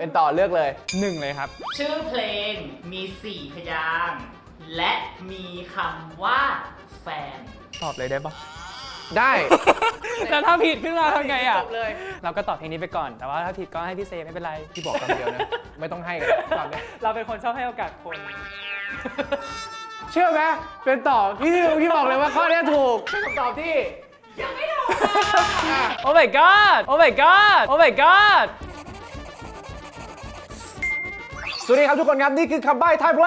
เป็นต่อเลือกเลย 1เลยครับชื่อเพลงมี4พยางค์และมีคำว่าแฟนตอบเลยได้ปะได้แล้วถ้าผิดขึ้นมาทำไงอ่ะเลยเราก็ตอบเพลงนี้ไปก่อนแต่ว่าถ้าผิดก็ให้พี่เซไม่เป็นไรพี่บอกคำเดียวนะไม่ต้องให้กันตอบเลยเราเป็นคนชอบให้โอกาสคนเชื่อไหมเป็นต่อพี่บอกเลยว่าข้อนี้ถูกเป็นคำตอบที่ยังไม่ถูกโอ้ my god โอ้ my god โอ้ my god สวัสดีครับทุกคนครับนี่คือคำใบ้ไทยเพล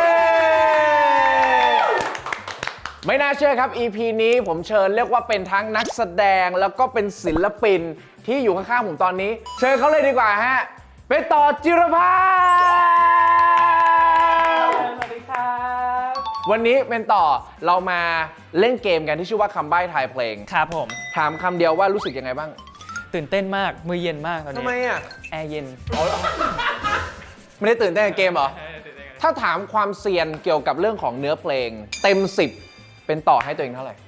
งไม่น่าเชื่อครับ EP นี้ผมเชิญเรียกว่าเป็นทั้งนักแสดงแล้วก็เป็นศิลปินที่อยู่ข้างๆผมตอนนี้เชิญเขาเลยดีกว่าฮะเป็นต่อจิรพัฒน์สวัสดีครับวันนี้เป็นต่อเรามาเล่นเกมกันที่ชื่อว่าคำใบ้ไทยเพลงครับผมถามคำเดียวว่ารู้สึกยังไงบ้างตื่นเต้นมากมือเย็นมากตอนนี้ทำไมอ่ะแอร์เย็นไม่ได้ตื่นเต้นกับเกมเหรอถ้าถามความเซียนเกี่ยวกับเรื่องของเนื้อเพลงเต็ม10เป็นต่อให้ตัวเองเท่าไหร่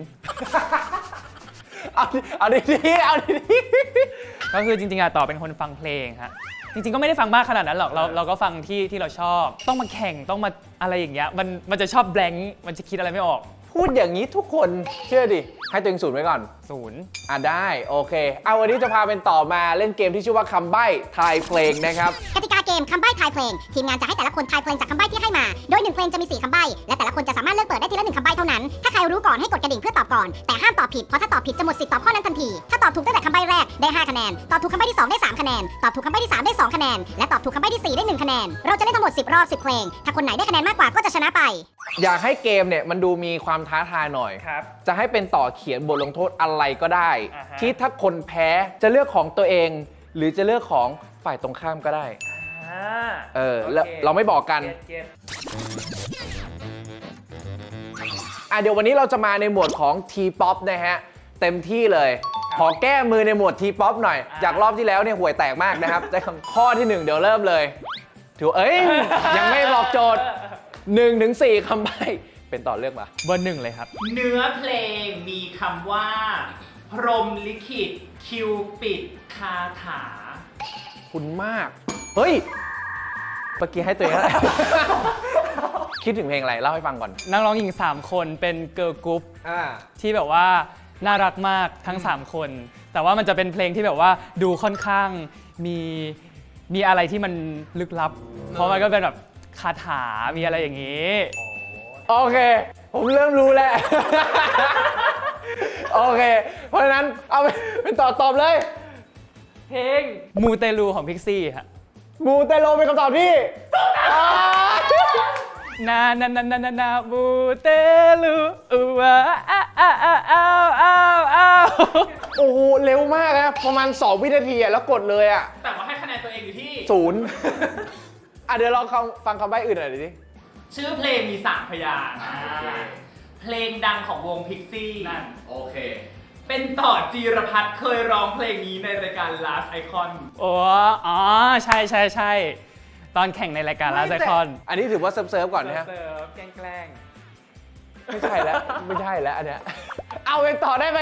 0 เอาดีๆเอาดีๆก็คือจริงๆต่อเป็นคนฟังเพลงฮะจริงๆก็ไม่ได้ฟังมากขนาดนั้นหรอกเราก็ฟังที่เราชอบต้องมาแข่งต้องมาอะไรอย่างเงี้ยมันจะชอบแบงค์มันจะคิดอะไรไม่ออกพูดอย่างนี้ทุกคนเชื่อดิให้ตัวเอง0ไว้ก่อน 0 ได้โอเคเอาวันนี้จะพาเป็นต่อมาเล่นเกมที่ชื่อว่าคำใบ้ทายเพลงนะครับกติกาเกมคำใบ้ทายเพลงทีมงานจะให้แต่ละคนทายเพลงจากคำใบ้ที่ให้มาโดย1เพลงจะมี4คำใบ้และแต่ละคนจะสามารถเลือกเปิดได้ทีละ1คำใบ้เท่านั้นถ้าใครรู้ก่อนให้กดกระดิ่งเพื่อตอบก่อนแต่ห้ามตอบผิดเพราะถ้าตอบผิดจะหมดสิทธิ์ตอบข้อนั้นทันทีถ้าตอบถูกตั้งแต่คำใบ้แรกได้5คะแนนตอบถูกคำใบ้ที่2ได้3คะแนนตอบถูกคำใบ้ที่3ได้2คะแนนและตอบถูกคำใบ้ที่4ได้1คะแนนเราจะเล่นทั้งหมด10รอบ10เพลงถ้าคนไหนได้คะแนนมากกว่าก็จะชนะไปอยากให้เกมเนี่ยมันดูมีความท้าทายหน่อยจะให้เป็นต่อเขียนบทลงโทษอะไรก็ได้ที่ถ้าคนแพ้จะเลือกของตัวเองหรือจะเลือกของฝ่ายตรงข้ามก็ได้เราไม่บอกกันเดี๋ยววันนี้เราจะมาในหมวดของ T-POP นะฮะเต็มที่เลยขอแก้มือในหมวด T-POP หน่อยจากรอบที่แล้วเนี่ยห่วยแตกมากนะครับได้ข้อที่1เดี๋ยวเริ่มเลยถือยังไม่บอกโจทย์1 ถึง 4คำใบ้เป็นต่อเลือกมาเบอร์1เลยครับเนื้อเพลงมีคำว่าพรหมลิขิตคิวปิดคาถาคุณมากเฮ้ยเมื่อกี้ให้ตัวเองอะไรคิดถึงเพลงอะไรเล่าให้ฟังก่อนนักร้องหญิง3คนเป็นเกิร์ลกรุ๊ปที่แบบว่าน่ารักมากทั้ง3คนแต่ว่ามันจะเป็นเพลงที่แบบว่าดูค่อนข้างมีอะไรที่มันลึกลับเพราะมันก็เป็นแบบคาถามีอะไรอย่างนี้โอเคผมเริ่มรู้แล้วโอเคเพราะฉะนั้นเอาเป็นตอบเลยเพลงมูเตลูของพิกซี่ฮะมูเตลูเป็นคำตอบที่นามูเตลูโอ้โหเร็วมากนะประมาณ2 วินาทีแล้วกดเลยแต่ว่าให้คะแนนตัวเองอยู่ที่ 0เดี๋ยวลองฟังคำใบ้อื่นหน่อยดิชื่อเพลงมี3พยางค์เพลงดังของวงพิกซี่นั่นโอเคเป็นต่อจีรพัฒน์เคยร้องเพลงนี้ในรายการ Last Icon ใช่ตอนแข่งในรายการ Last Icon อันนี้ถือว่าเซิร์ฟก่อนนะฮะแกล้งไม่ใช่แล้วอันเนี้ยเอาเป็นต่อได้ไป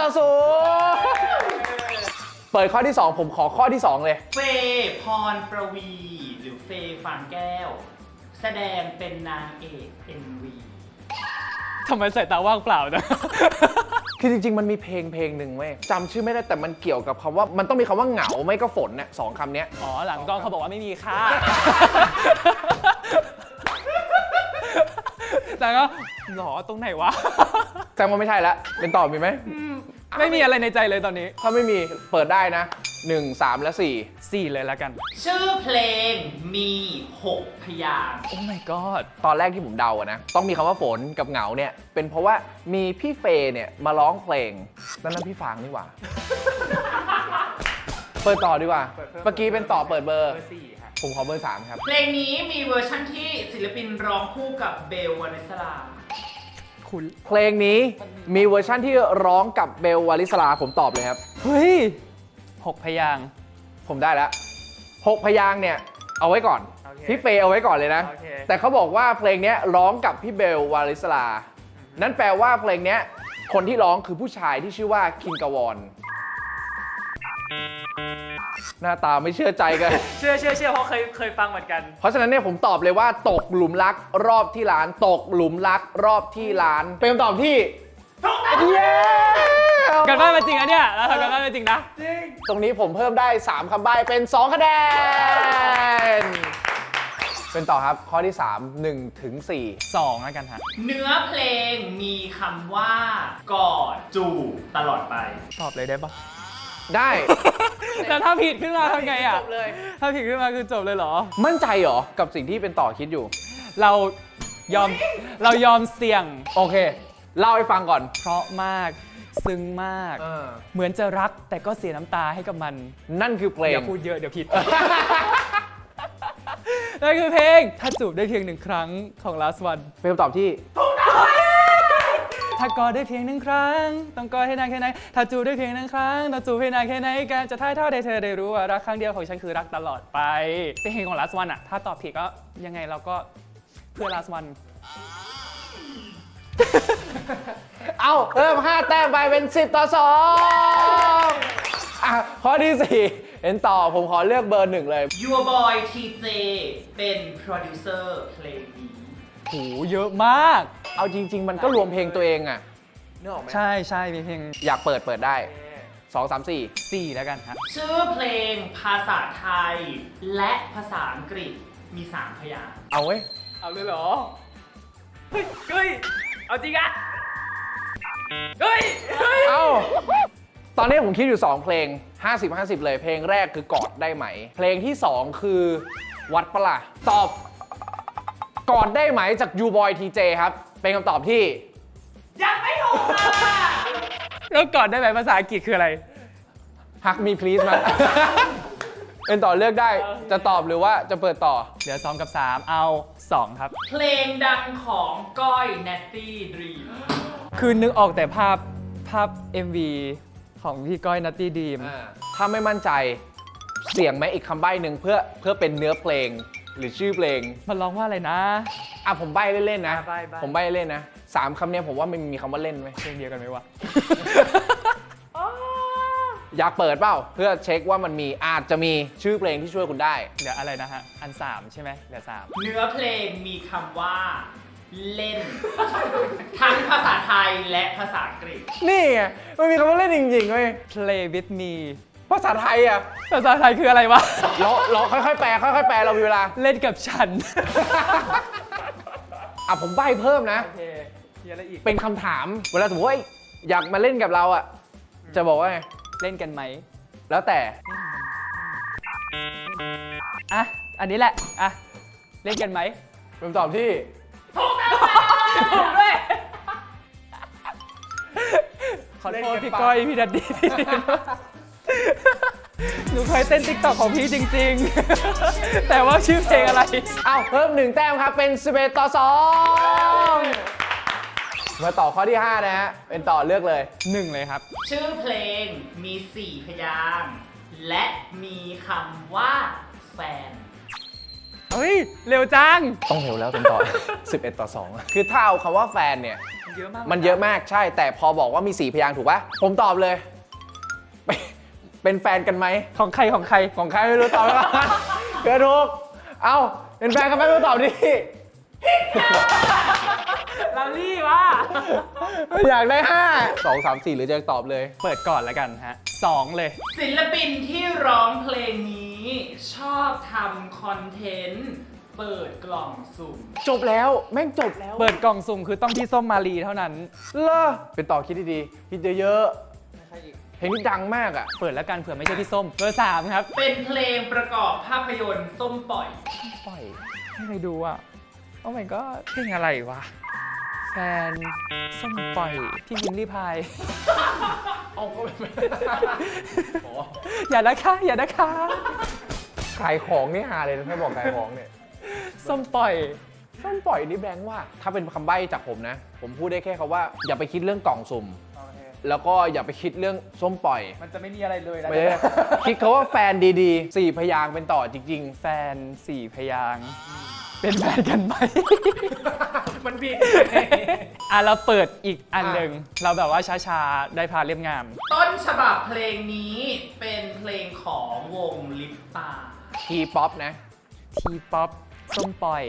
5-0เปิดข้อที่2ผมขอข้อที่2เลยเฟย์พรประวีหรือเฟย์ฟางแก้วแสดงเป็นนางเอก MV ทำไมสายตาว่างเปล่านะคือจริงๆมันมีเพลงหนึ่งเว้ยจำชื่อไม่ได้แต่มันเกี่ยวกับคำว่ามันต้องมีคำว่าเหงาไม่ก็ฝนเนี่ย2คำนี้หลังกล้องเขาบอกว่าไม่มีค่าแต่ก็หรอตรงไหนวะแสดงว่าไม่ใช่แล้วเป็นต่อมีไหมไม่มีอะไรในใจเลยตอนนี้ถ้าไม่มีเปิดได้นะ1 3 และ4 เลยแล้วกันชื่อเพลงมี6พยางค์โอ้ my god ตอนแรกที่ผมเดานะต้องมีคำว่าฝนกับเหงาเนี่ยเป็นเพราะว่ามีพี่เฟย์เนี่ยมาร้องเพลงนั่นพี่ฟางนี่หว่าเปิดต่อดีกว่าเมื่อกี้เป็นต่อเปิดเบอร์4ครับผมขอเบอร์3ครับเพลงนี้มีเวอร์ชั่นที่ศิลปินร้องคู่กับเบลวานิสลาเพลงนี้มีเวอร์ชั่นที่ร้องกับเบลวาลิสลาผมตอบเลยครับเฮ้ย6พยางค์ผมได้แล้ว6พยางค์เนี่ยเอาไว้ก่อนพี่เฟย์เอาไว้ก่อนเลยนะแต่เขาบอกว่าเพลงนี้ร้องกับพี่เบลวาลิสลานั่นแปลว่าเพลงนี้คนที่ร้องคือผู้ชายที่ชื่อว่าคิงกาวอนหน้าตาไม่เชื่อใจกันเชื่อเพราะเคยฟังเหมือนกันเพราะฉะนั้นเนี่ยผมตอบเลยว่าตกหลุมรักรอบที่ร้าน ตกหลุมรักรอบที่ร้าน เป็นคำตอบที่เย้กันบ้านมาจริงอะเนี่ยเราทำกันบ้านมาจริงนะตรงนี้ผมเพิ่มได้ 3 คำใบ้เป็น 2 คะแนน เป็นต่อครับข้อที่ 3 1 ถึง 4 2แล้วกันฮะเนื้อเพลงมีคำว่ากอดจูบตลอดไปตอบเลยได้ปะได้แต่ถ้าผิดขึ้นมาทำไงอะจบเลยถ้าผิดขึ้นมาคือจบเลยเหรอมั่นใจเหรอ กับสิ่งที่เป็นต่อคิดอยู่เรายอมเสี่ยงโอเค เล่าให้ฟังก่อนเพราะมากซึ้งมาก เหมือนจะรักแต่ก็เสียน้ำตาให้กับมันนั่นคือเพลงอย่าพูดเยอะเดี๋ยวผิด นั่นคือเพลง ถ้าจูบได้เพียง1 ครั้งของ last one เป็นคำตอบที่ถ้ากอดได้เพียง1 ครั้ง ต้องกอดให้นานแค่ไหน ถ้าจูบได้เพียง1 ครั้งต้องจูบให้นานแค่ไหนการจะถ่ายทอดให้เธอได้รู้ว่ารักครั้งเดียวของฉันคือรักตลอดไปเป็นเพลงของ last one อะถ้าตอบผิดก็ยังไงเราก็เพื่อ last one เอาเพิ่ม 5 แต้มไปเป็น 10 ต่อ 2 อ่ะ ข้อที่ 4 เห็นต่อผมขอเลือกเบอร์ 1 เลย Your Boy TJ เป็นโปรดิวเซอร์เพลงนี้โหเยอะมากเอาจริง ๆ มันก็รวมเพลงตัวเองอะนึกออกไหมใช่มีเพลงอยากเปิดได้ 2 3 4 4 แล้วกันฮะชื่อเพลงภาษาไทย และภาษาอังกฤษมี 3 พยางค์เอาเว้ยเอาเลยเหรอ เฮ้ย เอาจริงอะเฮ้ยเอาตอนนี้ผมคิดอยู่ 2 เพลง 50-50 เลย เพลงแรกคือกอดได้ไหม เพลงที่ 2 คือวัดปะล่ะตอบกอดได้ไหมจาก You Boy TJ ครับ เป็นคำตอบที่ยังไม่ถูกค่ะแล้วก่อนได้ไหมภาษาอังกฤษคืออะไร Hug me please มัน เป็นต่อเลือกได้ จะตอบหรือว่าจะเปิดต่อเหลือ 2 กับ 3 เอา 2 ครับเพลงดังของก้อย Natty Dream คือนึกออกแต่ภาพ MV ของพี่ก้อยนัตตี้ดีมถ้าไม่มั่นใจเสียงไหมอีกคำใบ้หนึ่งเพื่อเป็นเนื้อเพลงหรือชื่อเพลงมันร้องว่าอะไรนะอ่ะผมใบ้เล่นๆนะใบ้ผมใบ้เล่นนะ3 คำเนี้ยผมว่ามันมีคำว่าเล่นไหมเพลงเดียวกันไหมวะอยากเปิดเปล่าเพื่อเช็คว่ามันมีอาจจะมีชื่อเพลงที่ช่วยคุณได้เหลืออะไรนะฮะ อัน 3 ใช่ไหมเหลือเนื้อเพลงมีคำว่าเล่น ทั้งภาษาไทยและภาษาอังกฤษนี่ไงมันมีคำว่าเล่นจริงๆเว้ย 3 Play with me ภาษาไทยอ่ะภาษาไทยคืออะไรวะเราค่อยๆแปลเรามีเวลาเล่นกับฉันอ่ะผมใบ้เพิ่มนะโอเคมีอะไรอีกเป็นคำถามเวลาสมมติว่าอยากมาเล่นกับเราอ่ะจะบอกว่าไงเล่นกันไหมแล้วแต่อ่ะ อันนี้แหละ อ่ะ เล่นกันไหมเป็นคำตอบที่ถูกด้วยขอโทษพี่ก้อยพี่ดัดดี้ หนูเคยเต้นติ๊กต็อกของพี่จริงๆ แต่ว่าชื่อเพลงอะไรอ้าวเพิ่ม 1 แต้มครับเป็น11 ต่อ 2 มาต่อข้อที่ 5 นะฮะ เป็นต่อเลือกเลย 1 เลยครับชื่อเพลงมี 4 พยางค์และมีคำว่าแฟนเฮ้ย เร็วจังต้องเร็วแล้วเป็นต่อ 11 ต่อ 2 คือถ้าเอาคำว่าแฟนเนี่ยเยอะมากมันเยอะมากใช่ แต่พอบอกว่ามี 4 พยางค์ถูกปะผมตอบเลย เป็นแฟนกันไหมของใครของใครของใครไม่รู้ตอบแล้วเกิดถูก เอ้า เป็นแฟนกันไหมไม่รู้ตอบดิเราลี่วะอยากได้ 5 2 3 4 หรือจะตอบเลยเปิดก่อนแล้วกันฮะ 2 เลยศิลปินที่ร้องเพลงนี้ชอบทำคอนเทนต์เปิดกล่องสุ่มจบแล้วแม่งจบแล้วเปิดกล่องสุ่มคือต้องพี่ส้มมาลีเท่านั้นเลอเป็นต่อคิดดีๆคิดเยอะๆเพลงนี้ดังมากอ่ะเปิดแล้วกันเผื่อไม่ใช่พี่ส้ม เบอร์ 3 ครับเป็นเพลงประกอบภาพยนตร์ส้มปล่อยปล่อยไม่เคยดูอ่ะ โอ้ my god เพลงอะไรวะ แฟนส้มปล่อยพี่วินลี่พายเอาก็ไม่อย่านะคะ อย่านะคะขายของนี่ฮาเลยนะถ้าบอกขายของเนี่ยส้มปล่อยส้มปล่อยนี่แบงค์ว่า ถ้าเป็นคำใบ้จากผมนะ ผมพูดได้แค่คำว่า อย่าไปคิดเรื่องกล่องสุ่ม แล้วก็อย่าไปคิดเรื่องส้มปล่อยมันจะไม่มีอะไรเลยนะไม่ได้คิดเขาว่าแฟนดีๆ4 พยางค์เป็นต่อจริงแฟน4 พยางค์เป็นแฟนกันไหมมันผิดเราเปิดอีกอันหนึ่งเราแบบว่าช้าๆ ได้พาเรียบงามต้นฉบับเพลงนี้เป็นเพลงของวงลิปตาทีป๊อปนะทีป๊อปส้มปล่อย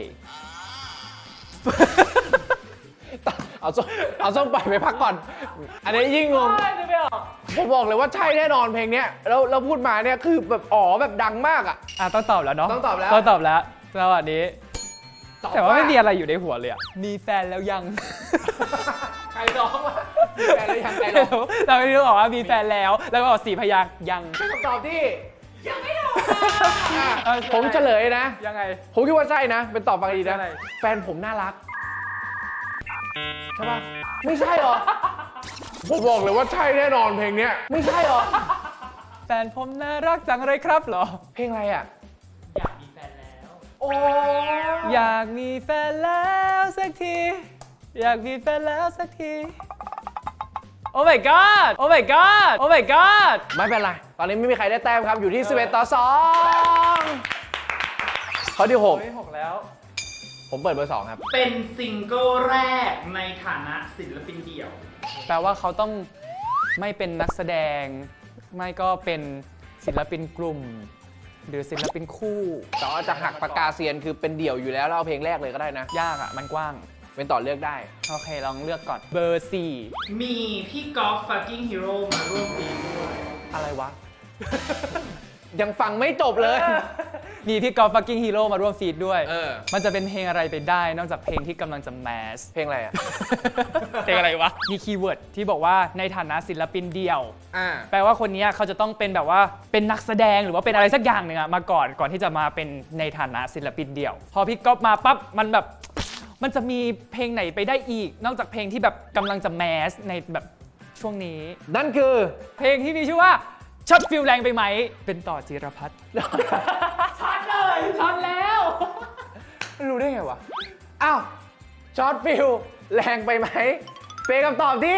เอาส้มปล่อยไปพักก่อน อันนี้ยิ่งงงไม่ออกผมบอกเลยว่าใช่แน่นอนเพลงเนี้ยแล้วพูดมาเนี่ยคือแบบแบบดังมากอ่ะต้องตอบแล้วเนาะต้องตอบแล้วต้องตอบแล้วสวัสดีตอบแต่ว่าไม่มีอะไรอยู่ในหัวเลยอะมีแฟนแล้วยังใครร้องวะมีแฟนแล้วยังใครร้องเราไม่รู้บอกว่ามีแฟนแล้ว แล้วก็บอก4 พยางค์ยังเป็นคำตอบที่ยังไม่ถูกผมเฉลยนะยังไงผมคิดว่าใช่นะ เป็นตอบฟังดีนะใช่แฟนผมน่ารัก ใช่ปะไม่ใช่หรอ ผมบอกเลยว่าใช่แน่นอนเพลงเนี้ยไม่ใช่หรอแฟนผมน่ารักจังเลยครับเหรอเพลงอะไรอ่ะอยากมีแฟนแล้วโอ้อยากมีแฟนแล้วสักที อยากมีแฟนแล้วสักที โอ้ my god โอ้ my god โอ้ my god ไม่เป็นไร ตอนนี้ไม่มีใครได้แต้มครับ อยู่ที่ 11 ต่อ 2 ข้อที่ 6 แล้ว 6 ผมเปิดเบอร์ 2 ครับเป็นซิงเกิลแรกในฐานะศิลปินเดี่ยวแปลว่าเขาต้องไม่เป็นนักแสดง ไม่ก็เป็นศิลปินกลุ่ม หรือศิลปินคู่แต่ว่าจะหักปากกาเซียนคือเป็นเดี่ยวอยู่แล้วแล้วเอาเพลงแรกเลยก็ได้นะยากอ่ะ มันกว้างเป็นต่อเลือกได้โอเค ลองเลือกก่อน เบอร์มีพี่กอล์ฟฟักกิ้งฮีโร่มาร่วมปีด้วยอะไรวะ ยังฟังไม่จบเลย 4 มีพี่กอล์ฟฟักกิ้งฮีโร่มาร่วมฟีดด้วยเออมันจะเป็นเพลงอะไรไปได้ นอกจากเพลงที่กำลังจะแมสเพลงอะไรอ่ะเพลงอะไรวะ มีคีย์เวิร์ดที่บอกว่าในฐานะศิลปินเดี่ยวอ่าแปลว่าคนนี้เขาจะต้องเป็นแบบว่าเป็นนักแสดงหรือว่าเป็นอะไรสักอย่างหนึ่งอะมาก่อนที่จะมาเป็นในฐานะศิลปินเดี่ยว พอพี่ก๊อฟมาปั๊บมันจะมีเพลงไหนไปได้อีก นอกจากเพลงที่แบบกำลังจะแมสในแบบช่วงนี้นั่นคือเพลงที่มีชื่อว่าช็อตฟิลแรงไปไหม เป็นต่อจิรพัฒน์ช็อตเลยช็อตแล้วรู้ได้ไงวะ อ้าวช็อตฟิลแรงไปไหม เป็นคำตอบที่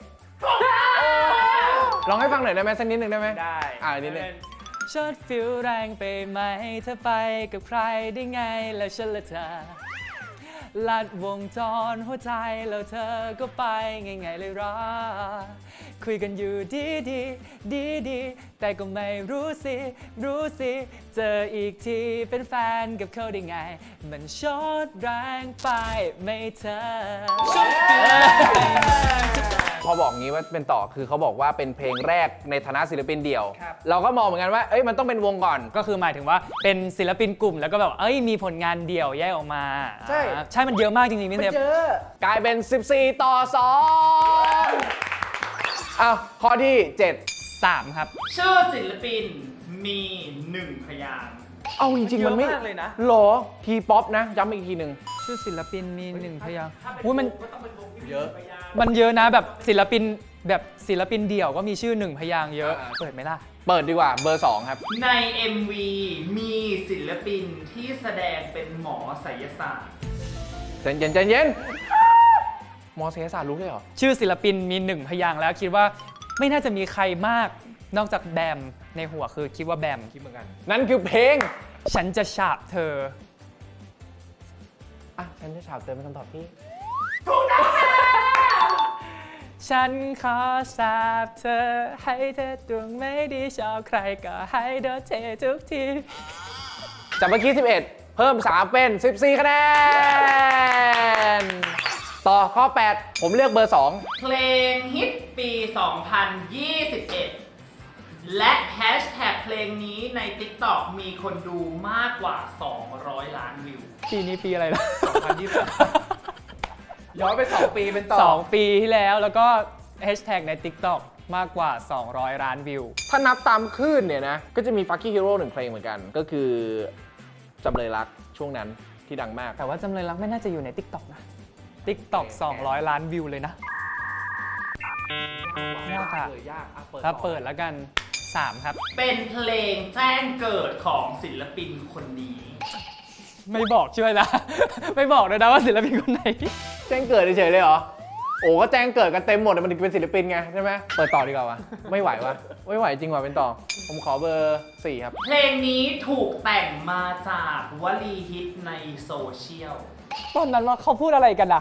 ลองให้ฟังหน่อยได้ไหมสักนิดหนึ่งได้ไหมได้นิดหนึงช็อตฟิลแรงไปไหมเธอไปกับใครได้ไงแล้วฉันละเธอลัดวงจรหัวใจแล้วเธอก็ไปไงเลยรอคุยกันอยู่ดีแต่ก็ไม่รู้สิเจออีกทีเป็นแฟนกับเขาได้ไงมันช็อตแรงไปไม่เธอพอบอกงี้ว่าเป็นต่อคือเขาบอกว่าเป็นเพลงแรกในฐานะศิลปินเดี่ยวครับเราก็มองเหมือนกันว่า มันต้องเป็นวงก่อนก็คือหมายถึงว่าเป็นศิลปินกลุ่มแล้วก็แบบมีผลงานเดี่ยวแยกออกมาใช่ใช่มันเยอะมากจริงๆพี่เทพกลายเป็น 14 ต่อ 2 อ้าว ข้อที่ 3 ครับชื่อศิลปินมี1 พยางค์ 7 เอาจริงๆ มันไม่เยอะมากเลยนะหรอ ทีป๊อปนะ ย้ำอีกทีหนึ่งชื่อศิลปินมี1 พยางค์ถ้าเป็นอุ้ยมันวงก็ต้องเป็นวงที่มีเยอะ 1 พยางค์มันเยอะนะแบบศิลปินเดี่ยวก็มีชื่อ1 พยางค์เยอะ เปิดไหมล่ะเปิดดีกว่าเบอร์ 2 ครับใน MV มีศิลปินที่แสดงเป็นหมอไสยศาสตร์ใจเย็นมอเสยศาสตร์รู้เลยเหรอชื่อศิลปินมี1 พยางค์แล้วคิดว่าไม่น่าจะมีใครมากนอกจากแบมในหัวคือคิดว่าแบมคิดเหมือนกัน นั่นคือเพลงฉันจะฉาบเธออ่ะ ฉันจะฉาบเตือนเป็นคำตอบที่ฉันขอสาบเธอให้เธอดวงไม่ดีชอบใครก็ให้โดนเททุกทีจากเมื่อกี้ 11 เพิ่ม 3 เป็น 14 คะแนน ต่อข้อ 8 ผมเลือกเบอร์ 2 เพลงฮิตปี 2021 และแฮชแท็กเพลงนี้ใน TikTok มีคนดูมากกว่า 200 ล้านวิวปีนี้ปีอะไรนะย้อนไป 2 ปีเป็นต่อ 2 ปีที่แล้วก็แฮชแท็กใน TikTok มากกว่า 200 ล้านวิวถ้านับตามคลื่นเนี่ยนะ ก็จะมี Fucky Hero 1 เพลงเหมือนกัน ก็คือจำเลยรักช่วงนั้นที่ดังมากแต่ว่าจำเลยรักไม่น่าจะอยู่ใน TikTok นะ TikTok 200 ล้านวิวเลยนะยากอะยากถ้าเปิดแล้วกัน 3 ครับเป็นเพลงแจ้งเกิดของศิลปินคนนี้ไม่บอกช่วยนะ ไม่บอกเลยนะว่าศิลปินคนไหนแจ้งเกิดเฉยๆเลยเหรอโอ้ก็แจ้งเกิดกันเต็มหมดมันเป็นศิลปินไงใช่ไหมเปิดต่อดีกว่าวะไม่ไหววะไม่ไหวจริงว่ะเป็นต่อผมขอเบอร์4ครับเพลงนี้ถูกแต่งมาจากวลีฮิตในโซเชียลตอนนั้นว่าเขาพูดอะไรกันอะ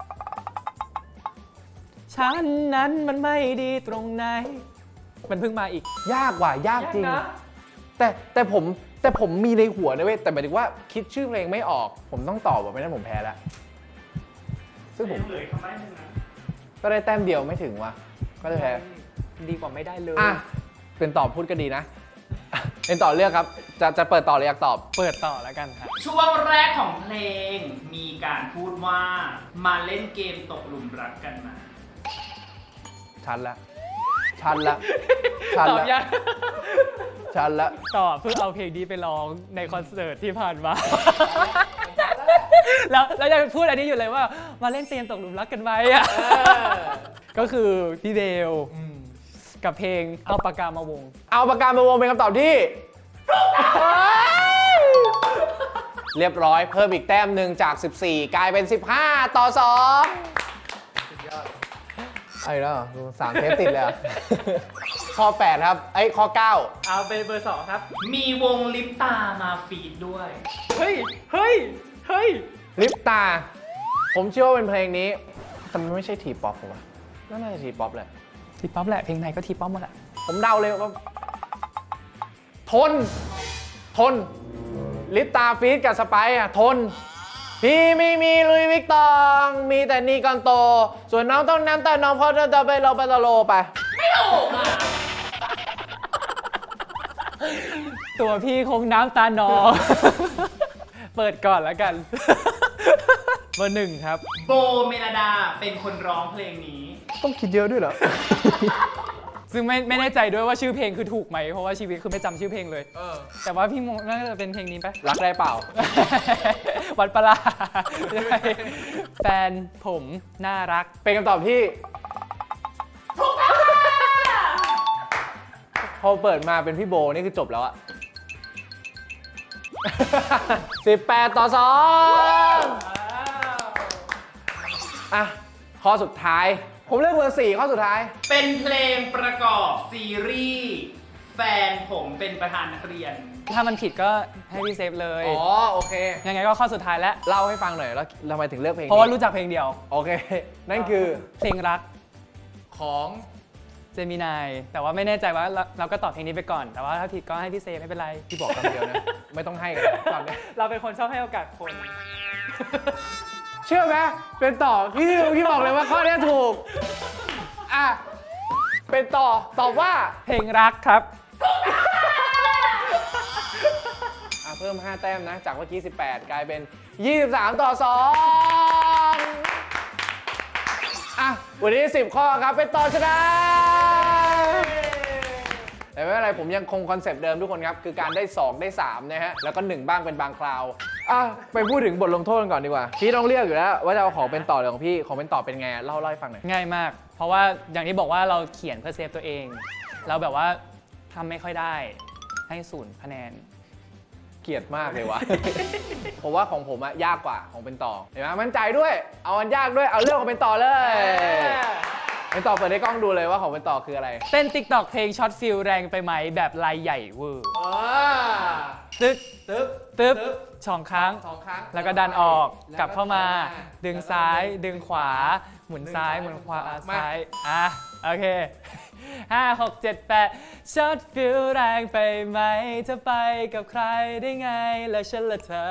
ฉันนั้นมันไม่ดีตรงไหน มันเพิ่งมาอีกยากว่ะยากจริงยากนะแต่ผมมีในหัวนะเว้ยแต่หมายถึงว่าคิดชื่อเพลงไม่ออกผมต้องตอบแบบไม่นั้นผมแพ้แล้วซึ่งผมเหลือคำใบ้หนึ่งนะก็ได้แต้มเดียวไม่ถึงว่ะก็จะแพ้ดีกว่าไม่ได้เลยอ่ะเป็นตอบพูดก็ดีนะ เป็นต่อเลือกครับจะเปิดต่อหรืออยากตอบเปิดต่อแล้วกันครับช่วงแรกของเพลงมีการพูดว่ามาเล่นเกมตกหลุมรักกันมาชันละชันละชันตอบละยังชันละตอบเพื่อเอาเพลงนี้ไปร้องในคอนเสิร์ตที่ผ่านมา แล้วยังพูดอันนี้อยู่เลยว่ามาเล่นเตียนตกหลุมรักกันไหมอ่ะก็คือพี่เบลกับเพลงเอาปากกามาวงเอาปากกามาวงเป็นคำตอบที่เรียบร้อยเพิ่มอีกแต้มหนึ่งจาก 14 กลายเป็น 15 ต่อ 2ไอ้แล้ว3 เทปติดเลยอะ ข้อ 8 ครับข้อ 9 เอาเป็นเบอร์ 2 ครับมีวงลิปตามาฟีดด้วยเฮ้ย เฮ้ย เฮ้ยลิปตา ผมเชื่อว่าเป็นเพลงนี้แต่มันไม่ใช่ทีป๊อปผมว่าน่าจะทีป๊อปแหละทีป๊อปแหละ เพลงไหนก็ทีป๊อปหมดแหละผมเดาเลยว่าทนลิปตาฟีดกับสไปซ์อะทน พี่ไม่มีลุยวิกตองมีแต่นี่ก่อนโต ส่วนน้องต้องน้ำแต่น้องพอจะไปเราไปตะโลไปไม่ถูกอ่ะตัวพี่คงน้ำตาหนอง เปิดก่อนแล้วกัน เบอร์ 1 ครับโบเมลดาเป็นคนร้องเพลงนี้ต้องคิดเยอะด้วยเหรอซึ่งไม่แน่ใจด้วยว่าชื่อเพลงคือถูกไหม เพราะว่าชีวิตคือไม่จำชื่อเพลงเลย แต่ว่าพี่มงน่าจะเป็นเพลงนี้ปะรักได้เปล่าวัดปลาแฟนผมน่ารักเป็นคำตอบที่พอเปิดมาเป็นพี่โบนี่คือจบแล้วอะ 18 ต่อ 2อ่ะข้อสุดท้าย ผมเลือกเบอร์ 4 ข้อสุดท้ายเป็นเพลงประกอบซีรีส์แฟนผมเป็นประธานนักเรียนถ้ามันผิดก็ให้พี่เซฟเลยอ๋อ โอเคยังไงก็ข้อสุดท้ายแล้วเล่าให้ฟังหน่อยแล้วทำไมถึงเลือกเพลงนี้เพราะว่ารู้จักเพลงเดียวโอเค นั่นคือเพลงรักของเจมินาย แต่ว่าไม่แน่ใจว่าเราก็ตอบเพลงนี้ไปก่อน แต่ว่าถ้าผิดก็ให้พี่เซฟไม่เป็นไรที่บอกคำเดียวนะ ไม่ต้องให้กันตอนนี้เราเป็นคนชอบให้โอกาสคนเชื่อไหมเป็นต่อพี่บอกเลยว่าข้อนี้ถูก อ่ะ เป็นต่อตอบว่าเพลงรักครับเพิ่ม 5 แต้มนะ จากเมื่อกี้ 18 กลายเป็น 23 ต่อ 2 อ่ะ วันนี้ 10 ข้อครับ เป็นต่อชนะ แต่ไม่เป็นไร ผมยังคงคอนเซปต์เดิมทุกคนครับ คือการได้ 2 ได้ 3 นะฮะ แล้วก็ 1 บ้างเป็นบางคราว อ่ะ ไปพูดถึงบทลงโทษกันก่อนดีกว่า พี่ต้องเรียกอยู่แล้ว ว่าจะเอาของเป็นต่อหรือของพี่ ของเป็นต่อเป็นไง เล่าให้ฟังหน่อยง่ายมาก เพราะว่าอย่างที่บอกว่าเราเขียนเพื่อเซฟตัวเอง เราแบบว่าทำไม่ค่อยได้ ให้0 คะแนนเกลียดมากเลยวะ ผมว่าของผมอะยากกว่าของเป็นต่อ เห็นไหมมั่นใจด้วย เอาอันยากด้วย เอาเรื่องของเป็นต่อเลย เป็นต่อเปิดให้กล้องดูเลยว่าของเป็นต่อคืออะไรเต้น TikTok เพลงช็อตฟิลแรงไปไหมแบบลายใหญ่เวอร์ ตึ๊กตึ๊บตึ๊บสองครั้ง 2 ครั้งแล้วก็ดันออก กลับเข้ามา ดึงซ้าย ดึงขวา หมุนซ้าย หมุนขวา ซ้าย อ่ะ โอเค 5 6 7 8ช็อตฟิลแรงไปไหมจะไปกับใครได้ไง แล้วฉันละเธอ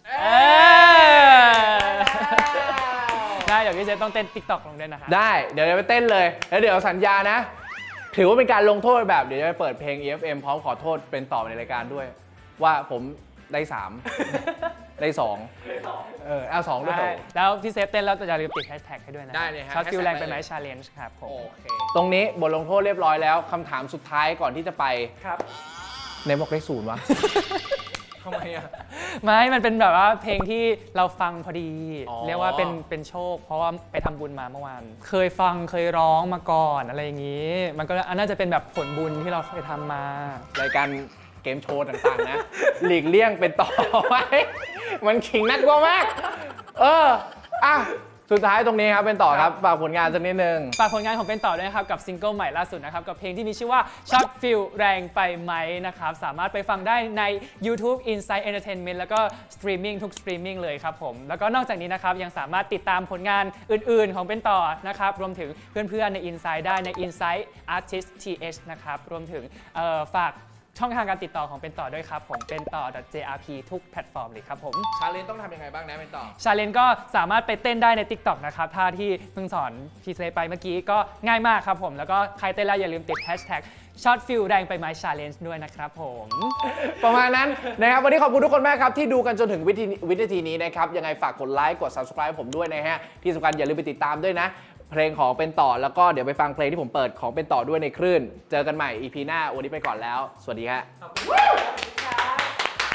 ได้เดี๋ยวพี่เจต้องเต้น TikTok ลงด้วยนะคะได้ เดี๋ยวจะไปเต้นเลย แล้วเดี๋ยวสัญญานะ ถือว่าเป็นการลงโทษแบบเดี๋ยวจะไปเปิดเพลง EFM พร้อมขอโทษเป็นต่อในรายการด้วย ว่าผมได้ 3 ได้ 2 เอา2ด้วยได้แล้วพี่เซฟเต้นแล้วอย่าลืมติดแฮชแท็กให้ด้วยนะได้เลยฮะช็อตฟิล hashtag แรงไปไหมได้เลยชาเลนจ์ครับผมโอเค ตรงนี้บทลงโทษเรียบร้อยแล้วคำถามสุดท้ายก่อนที่จะไปครับในบอกได้0วะ ทำไมอะไม่มันเป็นแบบว่าเพลงที่เราฟังพอดีอ๋อเรียกว่าเป็นโชค เพราะว่าไปทำบุญมาเมื่อวาน เคยฟังเคยร้องมาก่อนอะไรอย่างนี้ มันก็น่าจะเป็นแบบผลบุญที่เราเคยทำมารายการเกมโชว์ต่างๆนะ หลีกเลี่ยงเป็นต่อไว้ มันขิงนักกว่ามาก อ่ะสุดท้ายตรงนี้ครับเป็นต่อครับฝากผลงานสักนิดนึงฝากผลงานของเป็นต่อด้วยนะครับกับซิงเกิลใหม่ล่าสุดนะครับกับเพลงที่มีชื่อว่า Short Feel แรงไปไหมนะครับสามารถไปฟังได้ใน YouTube Inside Entertainment แล้วก็สตรีมมิ่งทุกสตรีมมิ่งเลยครับผมแล้วก็นอกจากนี้นะครับยังสามารถติดตามผลงานอื่นๆของเป็นต่อนะครับรวมถึงเพื่อนๆใน Inside ได้ใน Inside Artist TH นะครับรวมถึงฝากช่องทางการติดต่อของเป็นต่อด้วยครับผมเป็นต่อ .jrp ทุกแพลตฟอร์มเลยครับผมชาเลนจ์ต้องทำยังไงบ้างนะเป็นต่อชาเลนจ์ก็สามารถไปเต้นได้ใน TikTok นะครับท่าที่เพิ่งสอนพีเซไปเมื่อกี้ก็ง่ายมากครับผมแล้วก็ใครเต้นแล้วอย่าลืมติด Hashtag Short Feel แรงไปไหม Challenge ด้วยนะครับผมประมาณนั้นนะครับวันนี้ขอบคุณทุกคนมากครับที่ดูกันจนถึงวินาทีนี้นะครับยังไงฝากกดไลค์กด subscribe ผมด้วยนะฮะที่สำคัญอย่าลืมไปติดตามด้วยนะเพลงของเป็นต่อแล้วก็เดี๋ยวไปฟังเพลงที่ผมเปิดของเป็นต่อด้วยในคลื่นเจอกันใหม่ EP หน้าวันนี้ไปก่อนแล้วสวัสดีฮะ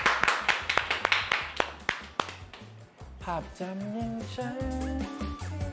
ภาพจำยังฉัน